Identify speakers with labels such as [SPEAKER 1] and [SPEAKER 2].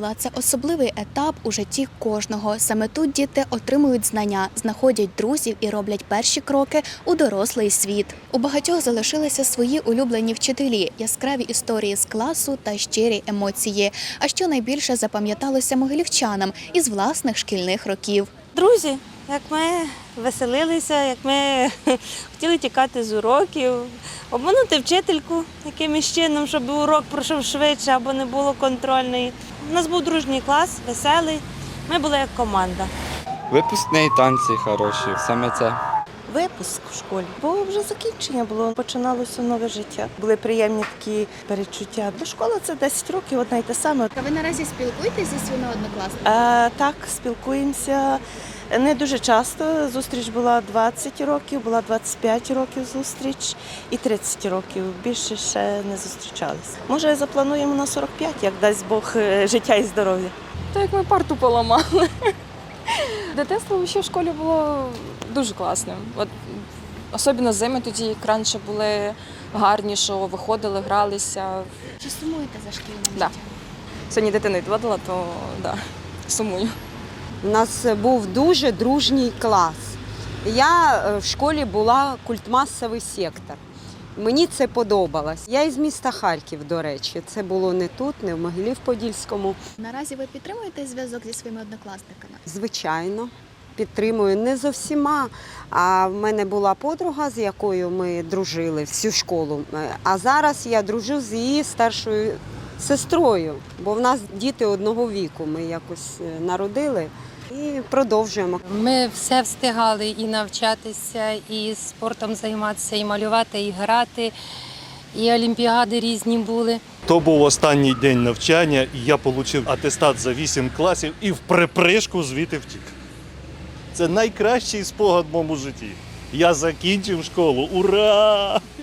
[SPEAKER 1] школа – це особливий етап у житті кожного. Саме тут діти отримують знання, знаходять друзів і роблять перші кроки у дорослий світ. У багатьох залишилися свої улюблені вчителі, яскраві історії з класу та щирі емоції. А що найбільше запам'яталося могилівчанам із власних шкільних років.
[SPEAKER 2] Друзі, як ми веселилися, як ми хотіли тікати з уроків, обманути вчительку якимось чином, щоб урок пройшов швидше або не було контрольної. У нас був дружній клас, веселий, ми були як команда.
[SPEAKER 3] Випускні танці хороші, саме це.
[SPEAKER 4] Випуск в школі, бо вже закінчення було, починалося нове життя. Були приємні такі перечуття. Бо школа – це 10 років, одне й те саме.
[SPEAKER 1] Ви наразі спілкуєтесь зі своїми однокласниками?
[SPEAKER 4] Так, спілкуємося не дуже часто. Зустріч була 20 років, була 25 років зустріч і 30 років. Більше ще не зустрічалися. Може, заплануємо на 45, як дасть Бог життя і здоров'я.
[SPEAKER 5] Так як ми парту поламали. Дитинство ще в школі було дуже класним. От, особливо зими тоді, як раніше були гарні, що виходили, гралися.
[SPEAKER 1] Чи сумуєте за шкільним
[SPEAKER 5] Да.
[SPEAKER 1] життям?
[SPEAKER 5] Сьогодні дитину відводила, то да, сумую.
[SPEAKER 6] У нас був дуже дружній клас. Я в школі була культмасовий сектор. Мені це подобалось. Я із міста Харків, до речі. Це було не тут, не в Могилів-Подільському.
[SPEAKER 1] Наразі ви підтримуєте зв'язок зі своїми однокласниками?
[SPEAKER 6] Звичайно, підтримую не зо всіма. А в мене була подруга, з якою ми дружили всю школу. А зараз я дружу з її старшою сестрою, бо в нас діти одного віку. Ми якось народили і продовжуємо.
[SPEAKER 7] Ми все встигали і навчатися, і спортом займатися, і малювати, і грати, і олімпіади різні були.
[SPEAKER 8] То був останній день навчання, і я отримав атестат за 8 класів і в припришку звідти втік. Це найкращий спогад в моєму житті. Я закінчив школу. Ура!